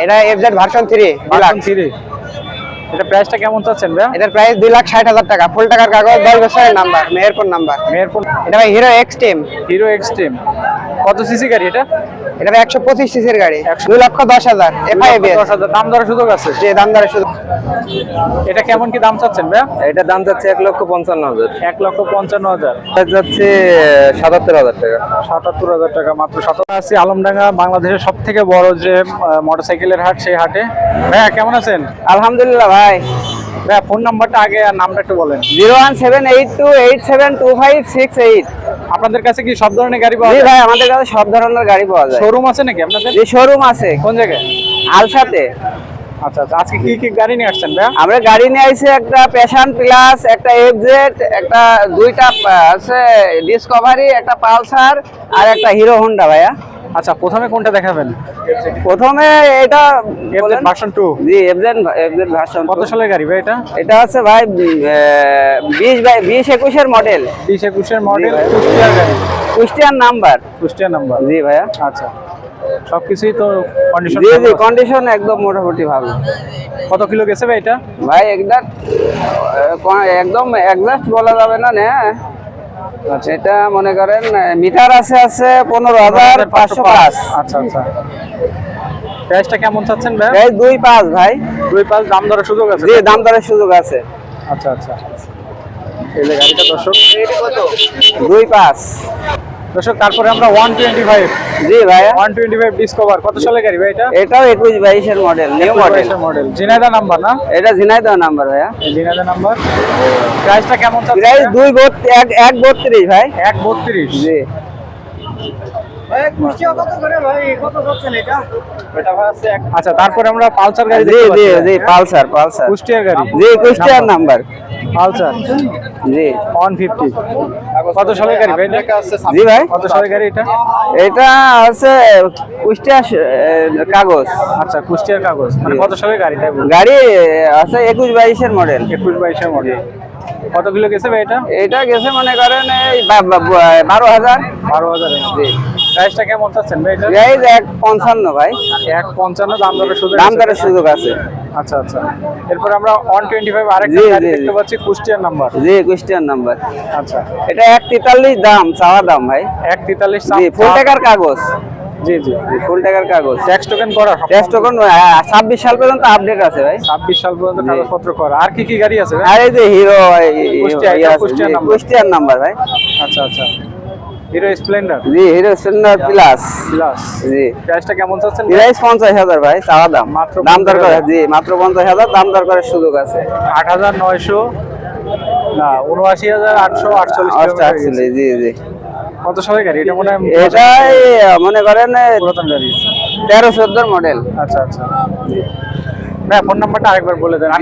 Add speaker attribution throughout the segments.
Speaker 1: এটা FZ version 3
Speaker 2: version 3। এটা প্রাইসটা কেমন চাচ্ছেন ভাই?
Speaker 1: এটার প্রাইস 2,60,000 টাকা, ফুল টাকার কাগজ, 10 বছরের নাম্বার, মেহেরপুর নাম্বার।
Speaker 2: মেহেরপুর।
Speaker 1: এটা ভাই হিরো এক্সট্রিম।
Speaker 2: হিরো এক্সট্রিম কত সিসি গাড়ি এটা?
Speaker 1: এটা 125 সিসির গাড়ি, 2,10,000 এফআইবিএস।
Speaker 2: 10,000 দাম দরের সুযোগ আছে?
Speaker 1: যে দাম দরে শুধু।
Speaker 2: এটা কেমন কি দাম চাচ্ছেন ভাই?
Speaker 3: এটা দাম যাচ্ছে 1,55,000।
Speaker 2: 1,55,000।
Speaker 3: এটা যাচ্ছে 77,000 টাকা।
Speaker 2: 77,000 টাকা মাত্র। 77 আছি আলমডাঙ্গা, বাংলাদেশের সব থেকে বড় যে মোটরসাইকেলের হাট, সেই হাটে। ভাইয়া কেমন আছেন?
Speaker 1: আলহামদুলিল্লাহ ভাই।
Speaker 2: ভাইয়া ফোন নাম্বারটা আগে আর নামটা একটু বলেন।
Speaker 1: 01782872568।
Speaker 2: আপনাদের কাছে কি সব ধরনের গাড়ি পাওয়া
Speaker 1: জি
Speaker 2: যায়?
Speaker 1: ভাই, আমাদের কাছে সব ধরনের গাড়ি পাওয়া যায়।
Speaker 2: শোরুম আছে নাকি আপনাদের?
Speaker 1: যে শোরুম আছে
Speaker 2: কোন জায়গায়?
Speaker 1: আলসাতে।
Speaker 2: আচ্ছা আচ্ছা, আজকে কি কি গাড়ি নিয়ে আসছেন ভাইয়া?
Speaker 1: আমরা গাড়ি নিয়ে আইছি, একটা প্যাশন প্লাস, একটা এফজেড, একটা দুইটা আছে ডিসকভারি, একটা পালসার আর একটা হিরো হোন্ডা ভাইয়া।
Speaker 2: আচ্ছা, প্রথমে কোনটা দেখাবেন?
Speaker 1: প্রথমে এটা
Speaker 2: এফজেড ভার্সন 2।
Speaker 1: জি, এফজেড ভার্সন।
Speaker 2: কত সালের গাড়ি ভাই এটা?
Speaker 1: এটা আছে ভাই 20-21 মডেল।
Speaker 2: 20-21 মডেল, কুষ্টিয়ার গাড়ি।
Speaker 1: কুষ্টিয়ার নাম্বার।
Speaker 2: কুষ্টিয়ার নাম্বার।
Speaker 1: জি ভাইয়া।
Speaker 2: আচ্ছা, সবকিছুই তো কন্ডিশন?
Speaker 1: জি জি, কন্ডিশন একদম মোটামুটি ভালো।
Speaker 2: কত কিলো গেছে ভাই এটা?
Speaker 1: ভাই একদম এক্সাক্ট বলা যাবে না। আচ্ছা, এটা মনে করেন মিটার আছে 15,505।
Speaker 2: আচ্ছা আচ্ছা, প্রাইসটা কেমন চাচ্ছেন ভাই?
Speaker 1: প্রাইস 2.5 ভাই।
Speaker 2: 2.5 দাম দরের সুযোগ আছে?
Speaker 1: জি, দাম দরের সুযোগ আছে।
Speaker 2: আচ্ছা আচ্ছা, এই যে গাড়িটা দর্শক
Speaker 1: 2.5
Speaker 2: দর্শক। তারপরে আমরা 125।
Speaker 1: জি ভাই,
Speaker 2: 125 ডিসকভার কত সালের গাড়ি ভাই এটা?
Speaker 1: এটাও 21-22 এর model, new
Speaker 2: model. Jhenaidah number না?
Speaker 1: এটা ঝিনাইদহ নাম্বার ভাইয়া।
Speaker 2: ঝিনাইদহ নাম্বার। প্রাইসটা কেমন চাচ্ছেন?
Speaker 1: প্রাইস 1.32 ভাই।
Speaker 2: 1.32।
Speaker 1: জি।
Speaker 2: আচ্ছা, তারপরে আমরা পালসার গাড়ি
Speaker 1: জি
Speaker 2: দেখতে
Speaker 1: জি
Speaker 2: পাচ্ছি।
Speaker 1: জি, পালসার।
Speaker 2: কুষ্টিয়ার গাড়ি।
Speaker 1: জি, কুষ্টিয়ার নাম্বার।
Speaker 2: পালসার
Speaker 1: জি।
Speaker 2: 150 কত সালের গাড়ি ভাই?
Speaker 1: জি ভাই,
Speaker 2: কত সালের গাড়ি এটা?
Speaker 1: এটা আছে কুষ্টিয়ার কাগজ।
Speaker 2: আচ্ছা, কুষ্টিয়ার কাগজ, মানে কত সালের গাড়ি তাই বলুন?
Speaker 1: গাড়ি আছে 21-22 এর মডেল।
Speaker 2: 21-22 মডেল। কত কিলো গেছে ভাই এটা?
Speaker 1: এটা গেছে মনে করেন এই 12,000।
Speaker 2: 12,000।
Speaker 1: জি।
Speaker 2: প্রাইসটা কেমন চাচ্ছেন ভাই এটা?
Speaker 1: প্রাইস 1.55 ভাই।
Speaker 2: 1.55 দাম দরের সুযোগ?
Speaker 1: দাম দরের সুযোগ আছে।
Speaker 2: আচ্ছা আচ্ছা, এরপর আমরা 125 আরেকটা
Speaker 1: জি,
Speaker 2: গাড়ি
Speaker 1: জি,
Speaker 2: দেখতে পাচ্ছি, কুষ্টিয়ার নাম্বার।
Speaker 1: জি, কুষ্টিয়ার নাম্বার।
Speaker 2: আচ্ছা,
Speaker 1: এটা 1.43 দাম, চাওয়া দাম ভাই।
Speaker 2: 1.43
Speaker 1: জি, ফুল টাকার কাগজ।
Speaker 2: জি জি,
Speaker 1: ফুল টাকার কাগজ।
Speaker 2: ট্যাক্স টোকেন করা?
Speaker 1: টেস্ট টোকন 26 সাল পর্যন্ত আপডেট আছে ভাই।
Speaker 2: 26 সাল পর্যন্ত কাগজপত্র করা। আর কি কি গাড়ি আছে ভাই?
Speaker 1: আর এই যে হিরো
Speaker 2: কুষ্টিয়ার নাম্বার।
Speaker 1: কুষ্টিয়ার নাম্বার ভাই।
Speaker 2: আচ্ছা আচ্ছা, হিরো স্প্লেন্ডার।
Speaker 1: জি, হিরো স্প্লেন্ডার প্লাস। জি।
Speaker 2: প্রাইসটা কেমন চাচ্ছেন?
Speaker 1: প্রাইস 50,000 ভাই, চাওয়া দাম।
Speaker 2: মাত্র
Speaker 1: দাম দর করে।
Speaker 2: 50,000?
Speaker 1: জি, মাত্র 50,000 দাম দর করার সুযোগ আছে।
Speaker 2: 8,900 না, 79,848
Speaker 1: আসলে জি জি।
Speaker 2: কত সালের গাড়ি এটা? মনে হয়
Speaker 1: এটাই মনে করেন
Speaker 2: পুরাতন গাড়ি।
Speaker 1: 13-14 মডেল।
Speaker 2: আচ্ছা আচ্ছা, ভাই ফোন নাম্বারটা আরেকবার বলে দেন।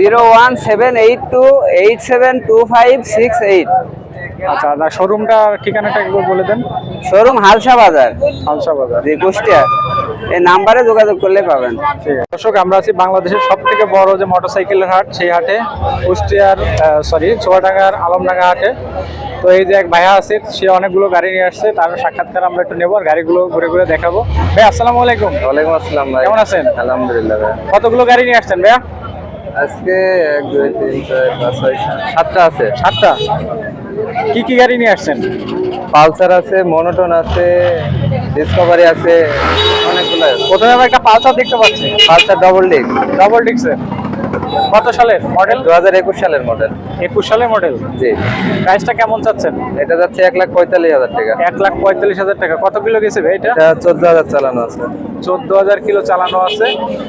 Speaker 1: 01782872568।
Speaker 2: আচ্ছা, আর শোরুমটা ঠিকানাটা একবার বলে দেন।
Speaker 1: শোরুম হালসা বাজার।
Speaker 2: হালসা বাজার।
Speaker 1: জি, কুষ্টিয়া। এই নাম্বারে যোগাযোগ করলে পাবেন।
Speaker 2: ঠিক আছে দর্শক, আমরা আছি বাংলাদেশের সব থেকে বড় যে মোটরসাইকেলের হাট, সেই হাটে, কুষ্টিয়ার চুয়াডাঙ্গার আলমডাঙ্গা হাটে। তো এই যে এক ভাইয়া আছে, সে অনেকগুলো গাড়ি নিয়ে আসছে, তার সাক্ষাৎকার আমরা একটু নেবো আর গাড়িগুলো ঘুরে ঘুরে দেখাবো। ভাই আসসালামু আলাইকুম।
Speaker 3: ওয়ালাইকুম আসসালাম ভাই।
Speaker 2: কেমন আছেন?
Speaker 3: আলহামদুলিল্লাহ ভাই।
Speaker 2: কতগুলো গাড়ি নিয়ে আসছেন ভাইয়া?
Speaker 3: আজকে 1 2 3 4 5 6 7টা আছে।
Speaker 2: 7টা। কি কি গাড়ি নিয়ে আসছেন?
Speaker 3: পালসার আছে, মনোটন আছে, ডিসকভারি আছে, অনেকগুলো আছে।
Speaker 2: প্রথমে আমরা একটা পালসার দেখতে পাচ্ছি।
Speaker 3: পালসার ডবল
Speaker 2: ডিক্সের। কত সালের মডেল?
Speaker 3: 2021 সালের মডেল।
Speaker 2: 21 সালের মডেল।
Speaker 3: জি।
Speaker 2: প্রাইসটা কেমন চাচ্ছেন?
Speaker 3: এটা যাচ্ছে 1,45,000 টাকা।
Speaker 2: 1,45,000 টাকা। কত কিলো গেছে ভাই এটা?
Speaker 3: এটা 14,000 চালানো আছে।
Speaker 2: 14,000 কিলো চালানো আছে।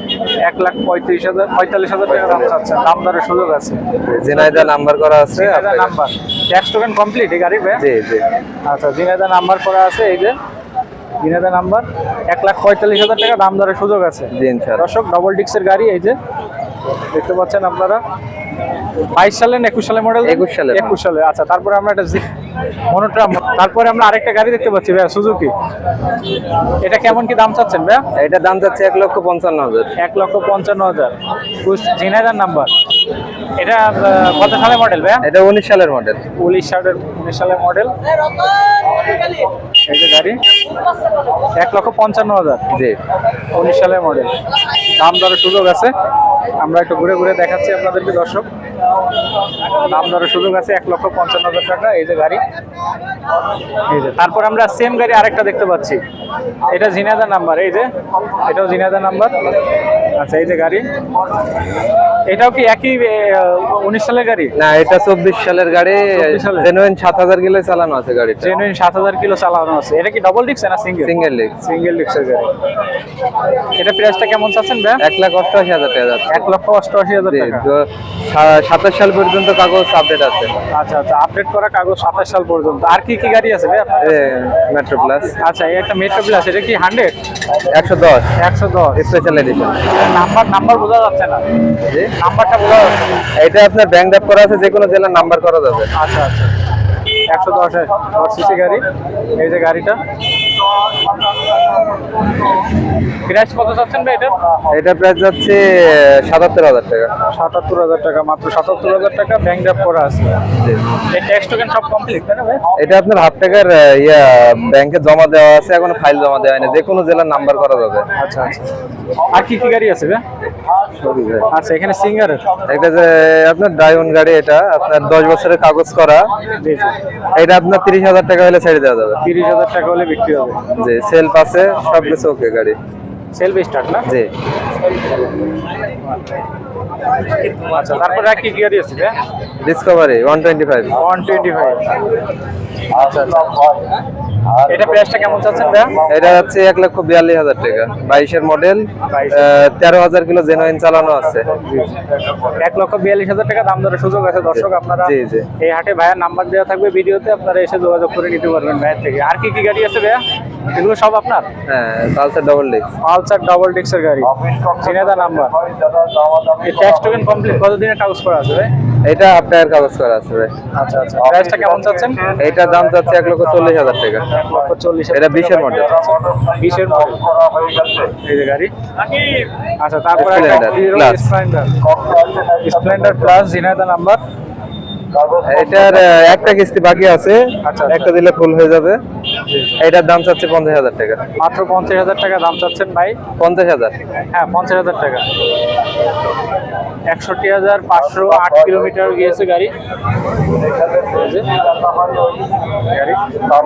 Speaker 2: 1,45,000 টাকা দাম চাচ্ছেন। দাম দরের সুযোগ আছে?
Speaker 3: ঝিনাইদহ নাম্বার করা আছে।
Speaker 2: Jhenaidah number. Tax token complete এই গাড়ি ভাই?
Speaker 3: জি জি।
Speaker 2: আচ্ছা, ঝিনাইদহ নাম্বার করা আছে। এই যে ঝিনাইদহ নাম্বার। 1,45,000 টাকা দাম দরের সুযোগ আছে।
Speaker 3: জি ইনশাআল্লাহ।
Speaker 2: দর্শক, ডবল ডিক্সের গাড়ি এই যে দেখতে পাচ্ছেন আপনারা। 22 সালে না 21 সালে মডেল? 21 সালে। আচ্ছা, তারপরে আমরা একটা মনোট্রাম, তারপরে আমরা আরেকটা গাড়ি দেখতে পাচ্ছি ভাইয়া, সুজুকি। এটা কেমন কি দাম চাচ্ছেন ভাইয়া?
Speaker 3: এটা দাম যাচ্ছে 1,55,000।
Speaker 2: 1,55,000। ঝিনাইদহ নাম্বার। এটা কত সালের মডেল ভাইয়া?
Speaker 3: এটা 19 সালের মডেল।
Speaker 2: 19 সালের মডেল। এই যে গাড়ি 1,55,000।
Speaker 3: জি
Speaker 2: 19 সালের মডেল। দাম দরের সুযোগ আছে, আমরা একটু ঘুরে ঘুরে দেখাচ্ছি আপনাদেরকে দর্শক। দাম দরের সুযোগ আছে 1,55,000 টাকা। এই যে গাড়ি, এই যে তারপর আমরা সেম গাড়ি আরেকটা দেখতে পাচ্ছি, এটা ঝিনাইদহ নাম্বার। এই যে এটাও ঝিনাইদহ নাম্বার। আচ্ছা এই যে গাড়ি, এটাও কি একই 19 সালের গাড়ি?
Speaker 3: না, এটা 24 সালের গাড়ি।
Speaker 2: 24 সালের।
Speaker 3: জেনুইন 7000 কিলো চালানো আছে গাড়িটা।
Speaker 2: জেনুইন 7000 কিলো চালানো আছে। এটা কি ডাবল ডিক্স না সিঙ্গেল?
Speaker 3: Single disc.
Speaker 2: সিঙ্গেল ডিক্সের গাড়ি। এটা প্রাইসটা কেমন চাচ্ছেন ভাই?
Speaker 3: 1,88,000 টাকা যাচ্ছে।
Speaker 2: 1,88,000
Speaker 3: জি,
Speaker 2: টাকা।
Speaker 3: তো 27 সাল পর্যন্ত কাগজ আপডেট আছে।
Speaker 2: আচ্ছা আচ্ছা, আপডেট করা কাগজ 27 সাল পর্যন্ত। আর কি কি গাড়ি আছে ভাই আপনার কাছে?
Speaker 3: Metro plus.
Speaker 2: আচ্ছা, এই একটা মেট্রো প্লাস, এটা কি 100?
Speaker 3: 110
Speaker 2: 110
Speaker 3: স্পেশাল এডিশন।
Speaker 2: নাম্বার বোঝা যাচ্ছে না,
Speaker 3: জি,
Speaker 2: নাম্বারটা বোঝা যাচ্ছে না।
Speaker 3: এটা আপনার ব্যাংক ড্রাফট করা আছে, যে কোনো জেলার নাম্বার করা যাবে।
Speaker 2: আচ্ছা আচ্ছা, 110 সিসি গাড়ি। এই যে গাড়িটা প্রাইস কত চাচ্ছেন ভাই এটা?
Speaker 3: এটা প্রাইস যাচ্ছে 77,000 টাকা।
Speaker 2: 77,000 টাকা, মাত্র 77,000 টাকা। ব্যাংক ড্রাফট করা আছে।
Speaker 3: জি।
Speaker 2: এই ট্যাক্স টোকেন সব কমপ্লিট তাই না ভাই?
Speaker 3: এটা আপনার হাফ টাকার ব্যাংকে জমা দেওয়া আছে, এখনো ফাইল জমা দেওয়া হয়নি, যে কোনো জেলার নাম্বার করা যাবে।
Speaker 2: আচ্ছা আচ্ছা, আর কি কি গাড়ি আছে ভাই? আচ্ছা, এখানে সিঙ্গারের।
Speaker 3: এটা যে আপনার ডায়মন্ড গাড়ি, এটা আপনার 10 বছরের কাগজ করা।
Speaker 2: জি জি,
Speaker 3: এটা আপনার 30,000 টাকা হলে ছেড়ে দেওয়া যাবে।
Speaker 2: 30,000 টাকা হলে বিক্রি হবে।
Speaker 3: জি, সেলফ আছে, সব কিছু ওকে গাড়ি।
Speaker 2: সেলফ স্টার্ট না?
Speaker 3: জি,
Speaker 2: আচ্ছা, তারপরে আর কি কি গাড়ি আছে ভাই?
Speaker 3: ডিসকভারি 125।
Speaker 2: 125। আচ্ছা আচ্ছা, এটা প্রাইসটা কেমন চাচ্ছেন ভাই?
Speaker 3: এটা হচ্ছে 1,42,000 টাকা। 22-এর মডেল, 13,000 কিলো জেনুইন চালানো আছে।
Speaker 2: 1,42,000 টাকা দাম দরের সুযোগ আছে দর্শক। আপনারা
Speaker 3: জি জি।
Speaker 2: এই হাটে ভাইয়ার নাম্বার দেওয়া থাকবে ভিডিওতে, আপনারা এসে যোগাযোগ করে নিতে পারবেন ভাইয়ের থেকে। আর কি কি গাড়ি আছে ভাইয়া? এগুলো সব আপনার?
Speaker 3: হ্যাঁ, Pulsar double disc.
Speaker 2: Pulsar double ডিক্সের গাড়ি, ঝিনাইদহ নাম্বার। এই ট্যাক্স টোকেন কমপ্লিট, কতদিনের কাগজ করা আছে ভাই?
Speaker 3: এটা হাফ টাকার কাগজ করা আছে ভাই।
Speaker 2: আচ্ছা আচ্ছা, প্রাইসটা কেমন চাচ্ছেন?
Speaker 3: এটার দাম যাচ্ছে 1,40,000 টাকা।
Speaker 2: 1,40,000।
Speaker 3: এটা 20-এর মডেল।
Speaker 2: 20-এর মডেল। এই যে গাড়ি। আচ্ছা, তারপরে
Speaker 3: Splendor Plus।
Speaker 2: Splendor plus, Jhenaidah number.
Speaker 3: এটার একটা কিস্তি বাকি আছে,
Speaker 2: আচ্ছা,
Speaker 3: একটা দিলে ফুল হয়ে যাবে। এটার দাম চাচ্ছে 50,000 টাকা।
Speaker 2: মাত্র 50,000 টাকা দাম চাচ্ছেন ভাই?
Speaker 3: 50,000।
Speaker 2: হ্যাঁ, 50,000 টাকা। 61,508 কিলোমিটার গিয়েছে গাড়ি। এই যে গাড়ি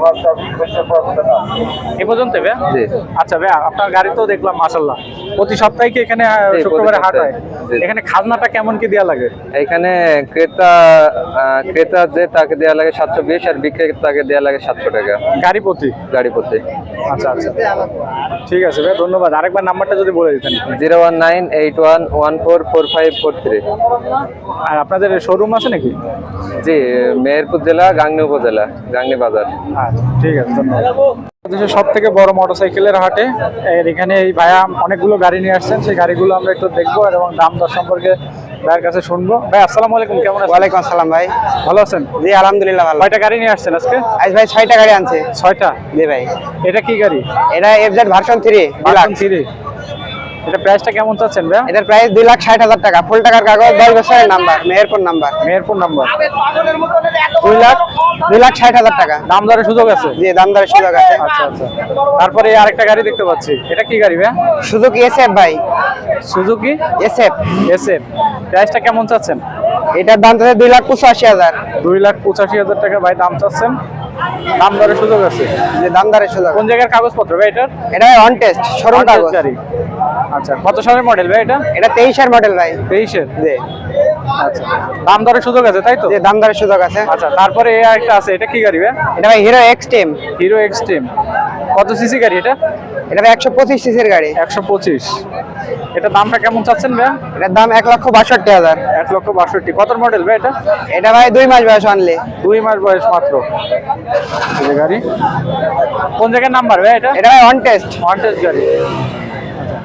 Speaker 2: এ পর্যন্ত ভাই?
Speaker 3: জি।
Speaker 2: আচ্ছা ভাই, আপনার গাড়ি তো দেখলাম মাশাআল্লাহ প্রতি সপ্তাহে কি এখানে
Speaker 3: জি,
Speaker 2: শুক্রবারে
Speaker 3: প্রতি
Speaker 2: হাট হয়?
Speaker 3: সপ্তাহে। জি।
Speaker 2: এখানে খাজনাটা কেমন কি দেয়া লাগে?
Speaker 3: এখানে ক্রেতা যে তাকে দেওয়া লাগে 720, আর বিক্রেতাকে দেওয়া লাগে 700 টাকা
Speaker 2: গাড়ি প্রতি?
Speaker 3: গাড়ি প্রতি।
Speaker 2: আচ্ছা আচ্ছা, ঠিক আছে ভাই, ধন্যবাদ। আরেকবার নাম্বারটা যদি বলে দিতেন।
Speaker 3: 01981144543।
Speaker 2: আর আপনাদের শোরুম আছে নাকি?
Speaker 3: জি, মেহেরপুর জেলা, গাংনী উপজেলা, গাংনী বাজার।
Speaker 2: আচ্ছা, ঠিক আছে, ধন্যবাদ। দেশের সব থেকে বড় মোটরসাইকেলের হাটে এখানে এই ভাইয়া অনেকগুলো গাড়ি নিয়ে আসছেন, সেই গাড়িগুলো আমরা একটু দেখবো এবং দাম দর সম্পর্কে ভাইয়ের কাছে শুনবো। ভাই আসসালামু আলাইকুম, কেমন আছেন?
Speaker 1: ওয়ালাইকুম আসসালাম ভাই।
Speaker 2: ভালো আছেন?
Speaker 1: জি আলহামদুলিল্লাহ ভালো।
Speaker 2: কয়টা গাড়ি নিয়ে আসছেন আজকে?
Speaker 1: আজ ভাই 6টা গাড়ি আনছে।
Speaker 2: 6টা?
Speaker 1: জি ভাই।
Speaker 2: এটা কি গাড়ি?
Speaker 1: এটা এফজেড ভার্সন 3 ডিলাক্স।
Speaker 2: 3। এটা প্রাইসটা কেমন চাচ্ছেন ভাই?
Speaker 1: এটার প্রাইস 2,60,000 টাকা। ফুল টাকার কাগজ, 10 বছরের number, Meherpur number.
Speaker 2: Meherpur number.
Speaker 1: 2,60,000 টাকা।
Speaker 2: দাম দরের সুযোগ আছে?
Speaker 1: জি, দাম দরের সুযোগ আছে।
Speaker 2: আচ্ছা আচ্ছা, তারপরে এই আরেকটা গাড়ি দেখতে পাচ্ছি, এটা কি গাড়ি ভাই?
Speaker 1: সুজুকি এসএফ ভাই।
Speaker 2: Suzuki
Speaker 1: SF.
Speaker 2: এসএফ। প্রাইসটা কেমন চাচ্ছেন?
Speaker 1: এটার দাম আছে 2,85,000।
Speaker 2: 2,85,000 টাকা ভাই দাম চাচ্ছেন। দাম দরের সুযোগ আছে?
Speaker 1: যে দাম দরের সুযোগ।
Speaker 2: কোন জায়গার কাগজপত্র ভাই এটার?
Speaker 1: এটা অন টেস্ট শোরুম কাগজ।
Speaker 2: গাড়ি। আচ্ছা, কত সালের মডেল ভাই এটা?
Speaker 1: এটা 23-এর মডেল ভাই।
Speaker 2: 23-এর?
Speaker 1: জি।
Speaker 2: আচ্ছা, দাম দরের সুযোগ আছে তাই তো?
Speaker 1: যে দাম দরের সুযোগ আছে।
Speaker 2: আচ্ছা, তারপরে এই আরেকটা আছে, এটা কি গাড়ি ভাই?
Speaker 1: এটা ভাই হিরো এক্সট্রিম।
Speaker 2: Hero xtreme. কত সিসি গাড়ি এটা?
Speaker 1: এটা ভাই 125 সিসির গাড়ি।
Speaker 2: 125। এটা দামটা কেমন চাচ্ছেন ভাই?
Speaker 1: এটার দাম 1,62,000।
Speaker 2: 1,62,000। কত মডেল ভাই এটা?
Speaker 1: এটা ভাই 2 মাস বয়স অনলি।
Speaker 2: 2 মাস বয়স মাত্র। এই যে গাড়ি, কোন জায়গার নাম্বার ভাই এটা?
Speaker 1: এটা ভাই অন টেস্ট।
Speaker 2: ওয়ান্টেজ গাড়ি।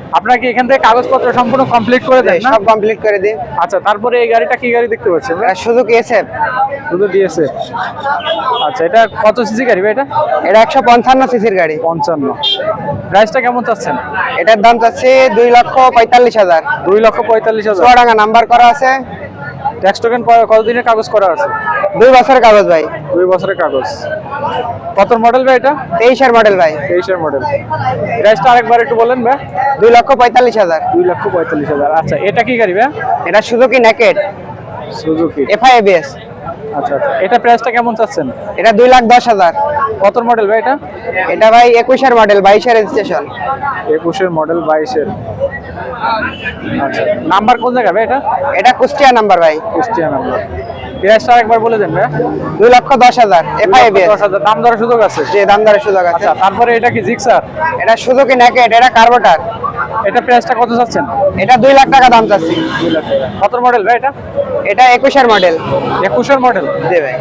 Speaker 2: আপনার কি এখান থেকে কাগজপত্র সম্পূর্ণ কমপ্লিট করে দেন না?
Speaker 3: সব কমপ্লিট করে দিই।
Speaker 2: আচ্ছা, তারপরে এই গাড়িটা কি গাড়ি দেখতে পাচ্ছেন?
Speaker 3: সুজুকি এসএফ,
Speaker 2: শুধু দিয়েছে। আচ্ছা, এটা কত সিসি গাড়ি ভাই এটা?
Speaker 3: এটা 155 সিসির গাড়ি।
Speaker 2: 55। প্রাইসটা কেমন চাচ্ছেন?
Speaker 3: এটার দাম চাচ্ছি 2,45,000।
Speaker 2: 2,45,000।
Speaker 3: চুয়াডাঙ্গা নাম্বার করা আছে।
Speaker 2: ট্যাক্স টোকেন কতদিনের কাগজ করা আছে?
Speaker 3: 2 বছরের কাগজ ভাই।
Speaker 2: 2 বছরের কাগজ। কত মডেল ভাই এটা?
Speaker 3: 23 এর মডেল ভাই।
Speaker 2: 23 এর মডেল। প্রাইসটা আরেকবার একটু বলেন ভাই।
Speaker 3: 2,45,000।
Speaker 2: 2,45,000। আচ্ছা, এটা কি গাড়ি ভাই?
Speaker 3: এটা Suzuki naked
Speaker 2: Suzuki.
Speaker 3: FI ABS.
Speaker 2: আচ্ছা আচ্ছা, এটা প্রাইসটা কেমন চাচ্ছেন?
Speaker 3: এটা 2,10,000।
Speaker 2: কত মডেল ভাই এটা?
Speaker 3: এটা ভাই 21 এর মডেল, 22 এর রেজিস্ট্রেশন।
Speaker 2: 21 এর মডেল, 22 এর। আচ্ছা, নাম্বার কোন জায়গা ভাই এটা?
Speaker 3: এটা কুষ্টিয়া নাম্বার ভাই।
Speaker 2: কুষ্টিয়া নাম্বার। প্রাইসটা আরেকবার বলে দেন ভাই।
Speaker 3: 2,10,000 এফআই এবিএস।
Speaker 2: 10,000। দাম দরের সুযোগ আছে?
Speaker 3: যে দাম দরের সুযোগ আছে।
Speaker 2: আচ্ছা, তারপরে এটা কি জিক্সার?
Speaker 3: এটা সুজুকি নেকেড, এটা কার্বোটার।
Speaker 2: এটা প্রাইসটা কত চাচ্ছেন?
Speaker 3: এটা 2 লাখ টাকা দাম চাচ্ছি।
Speaker 2: 2 লাখ টাকা। কত মডেল ভাই এটা?
Speaker 3: এটা 21 এর মডেল।
Speaker 2: 21 এর মডেল।
Speaker 3: জি ভাই।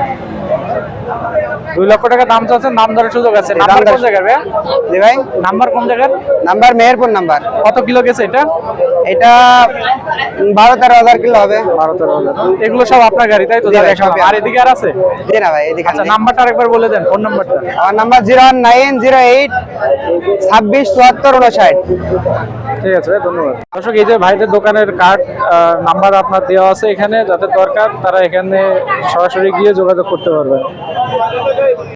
Speaker 2: 2 লক্ষ টাকা দাম চাচ্ছেন, দাম দরের সুযোগ আছে।
Speaker 3: দাম
Speaker 2: নাম্বার
Speaker 3: দর-
Speaker 2: কোন জায়গার ভাই?
Speaker 3: জি ভাই।
Speaker 2: নাম্বার কোন জায়গার?
Speaker 3: Number Meherpur number.
Speaker 2: কত কিলো গেছে এটা?
Speaker 3: এটা 12-13 কিলো হবে।
Speaker 2: 12-13,000। এগুলো সব আপনার গাড়ি তাই তো?
Speaker 3: জি ভাই,
Speaker 2: দেখালাম।
Speaker 3: সবই
Speaker 2: আর এদিকে আর আছে?
Speaker 3: জি না ভাই, এদিকে
Speaker 2: আচ্ছা,
Speaker 3: নেই।
Speaker 2: নাম্বারটা আরেকবার বলে দেন, ফোন নাম্বারটা।
Speaker 3: আমার নাম্বার 01908 26 74 59।
Speaker 2: ঠিক আছে ভাই, ধন্যবাদ। দর্শক, এই যে ভাইদের দোকানের কার্ড নাম্বার আপনার দেওয়া আছে এখানে, যাদের দরকার তারা এখানে সরাসরি গিয়ে যোগাযোগ করতে পারবেন।